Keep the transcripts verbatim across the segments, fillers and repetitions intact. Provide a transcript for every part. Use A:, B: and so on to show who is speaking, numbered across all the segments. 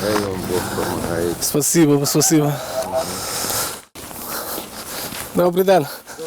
A: Хай вам Бог допомагає.
B: Спасибо, спасибо. Добрий день.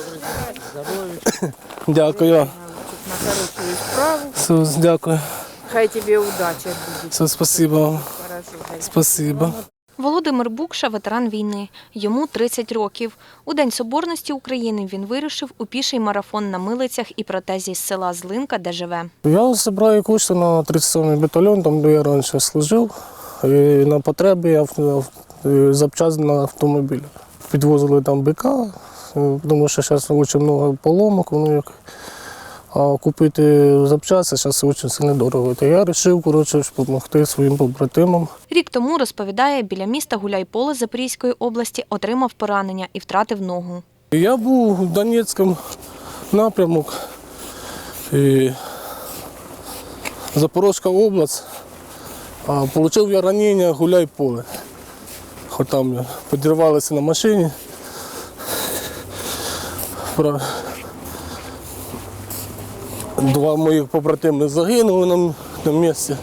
B: Дякую.
C: На хорошую справу.
B: Все, дякую.
C: Хай тебе удача будет.
B: Все, спасибо вам.
C: Хорошо.
B: Спасибо.
D: Володимир Букша – ветеран війни. Йому тридцять років. У День Соборності України він вирушив у піший марафон на милицях і протезі з села Злинка, де живе.
B: Я зібрав кошти на тридцять сьомий батальйон, там де я раніше служив. І на потреби я запчасти на автомобіль. Підвозили там бика, тому що зараз дуже багато поломок, воно як. А купити запчасти зараз дуже сильно дорого. То я вирішив, коротше, допомогти своїм побратимам.
D: Рік тому, розповідає, біля міста Гуляйполе Запорізької області отримав поранення і втратив ногу.
B: Я був у Донецькому напрямок, і Запорізька область, а отримав я ранення Гуляйполе. Хоч там підірвалися на машині. Два моїх побратими загинули на, на місці.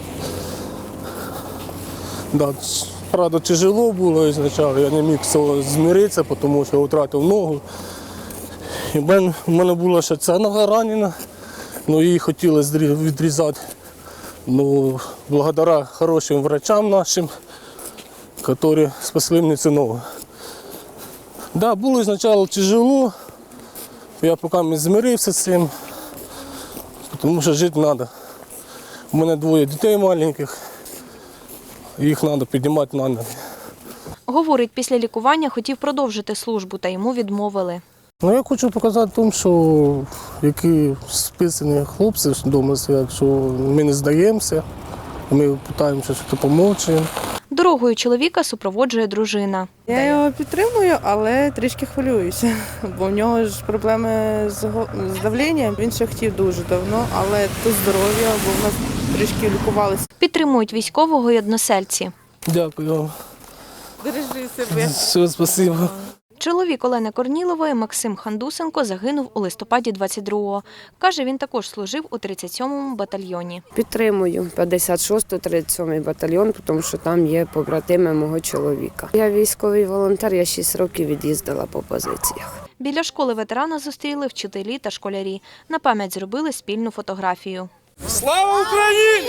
B: Да, правда, тяжело було спочатку, я не міг з цього змиритися, тому що я втратив ногу. І в мене, в мене була ще ця нога ранена, ну, її хотіли відрізати. Ну, благодаря хорошим врачам нашим, які спасли мені цю ногу. Да, було спочатку тяжело, я поки не змирився з цим. Тому що жити треба. У мене двоє дітей маленьких, їх треба піднімати на ноги.
D: Говорить, після лікування хотів продовжити службу, та йому відмовили.
B: Ну, я хочу показати тому, що які списані хлопці вдома сидять, що ми не здаємося, ми намагаємося допомогти.
D: Дорогою чоловіка супроводжує дружина.
C: Я його підтримую, але трішки хвилююся, бо в нього ж проблеми з, го- з давленням. Він ще хотів дуже давно, але то здоров'я, бо в нас трішки лікувалися.
D: Підтримують військового й односельці.
B: Дякую вам.
C: Бережи себе.
B: Все, спасибо.
D: Чоловік Олени Корнілової Максим Хандусенко загинув у листопаді двадцять другого. Каже, він також служив у тридцять сьомому батальйоні.
E: Підтримую п'ятдесят шостий тридцять сьомий батальйон, тому що там є побратими мого чоловіка. Я військовий волонтер, я шість років від'їздила по позиціях.
D: Біля школи ветерана зустріли вчителі та школярі. На пам'ять зробили спільну фотографію.
F: Слава Україні!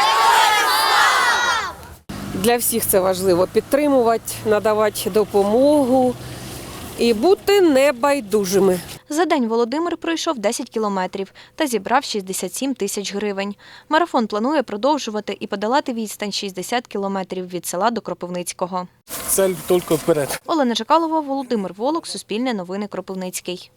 G: Для всіх це важливо – підтримувати, надавати допомогу і бути небайдужими.
D: За день Володимир пройшов десять кілометрів та зібрав шістдесят сім тисяч гривень. Марафон планує продовжувати і подолати відстань шістдесят кілометрів від села до Кропивницького.
B: Цель тільки вперед.
D: Олена Жакалова, Володимир Волок, Суспільне новини, Кропивницький.